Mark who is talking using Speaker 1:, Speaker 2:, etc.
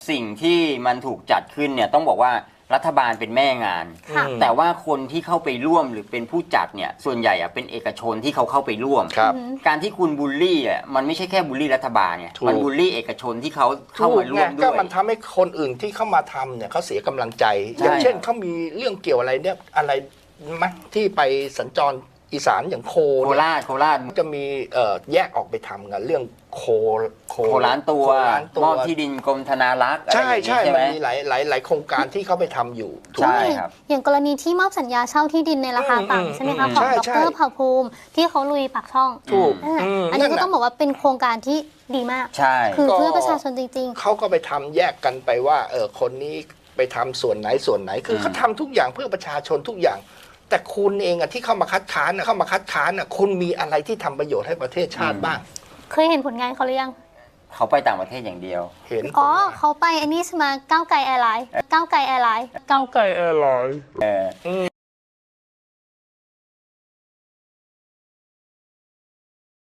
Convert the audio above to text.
Speaker 1: สิ่งที่มันถูกจัดขึ้นเนี่ยต้องบอกว่ารัฐบาลเป็นแม่งาน
Speaker 2: ค่ะ
Speaker 1: แต่ว่าคนที่เข้าไปร่วมหรือเป็นผู้จัดเนี่ยส่วนใหญ่อะเป็นเอกชนที่เขาเข้าไปร่วม
Speaker 3: ครับ
Speaker 1: การที่คุณบูลลี่อ่ะมันไม่ใช่แค่บูลลี่รัฐบาลไง
Speaker 3: ถูก
Speaker 1: มันบูลลี่เอกชนที่เขาเข้ามาร่วมด้
Speaker 3: ก็
Speaker 1: วย
Speaker 3: มันทำให้คนอื่นที่เข้ามาทำเนี่ยเขาเสียกำลังใจ
Speaker 1: ใช่
Speaker 3: อย่างเช่นเขามีเรื่องเกี่ยวอะไรเนี่ยอะไรไหมที่ไปสัญจรอีสานอย่างโค
Speaker 1: โค
Speaker 3: เนี่ย
Speaker 1: ราช
Speaker 3: จะมีแยกออกไปทำกันเรื่องโค
Speaker 1: โคล้านตัว
Speaker 3: โคล้านตัว
Speaker 1: มอบที่ดินกรมธนารักษ์อะไร
Speaker 3: ใช่
Speaker 1: อย่าง
Speaker 3: ใช่
Speaker 1: นี้ใช่ไห
Speaker 3: มั
Speaker 1: ม
Speaker 3: นมีหลายโครงการที่เขาไปทำอยู่ถูก
Speaker 1: ใช่
Speaker 3: ไหม
Speaker 1: ครับ
Speaker 2: อย่างกรณีที่มอบสัญญาเช่าที่ดินในราคา
Speaker 3: อืม
Speaker 2: ต่ำใช่ไหมคะ
Speaker 3: อืม
Speaker 2: ของ
Speaker 3: ใช่
Speaker 2: ด
Speaker 3: ใช่
Speaker 2: รเผ่าภูมิที่เขาลุยปากช่อง
Speaker 3: ถูก
Speaker 2: อันนี้ก็
Speaker 3: นั่นน่ะ
Speaker 2: ต้องบอกว่าเป็นโครงการที่ดีมาก
Speaker 1: ใช่
Speaker 2: คือเพื่อประชาชนจริง
Speaker 3: เขาก็ไปทำแยกกันไปว่าคนนี้ไปทำส่วนไหนส่วนไหน คือเขาทำทุกอย่างเพื่อประชาชนทุกอย่าง แต่คุณเองอะที่เข้ามาคัดค้านอะคุณมีอะไรที่ทำประโยชน์ให้ประเทศชาติบ้าง
Speaker 2: ๆ เคยเห็นผลงานเขาหรือยัง
Speaker 1: เขาไปต่างประเทศอย่างเดียว
Speaker 3: เห็น
Speaker 2: อ๋อเขาไปอันนี้ใช่ไหมก้าวไกลแอร์ไลน์ก้าวไกลแอร์ไลน์
Speaker 4: ก้าวไกลแอร์ไลน์
Speaker 1: เออ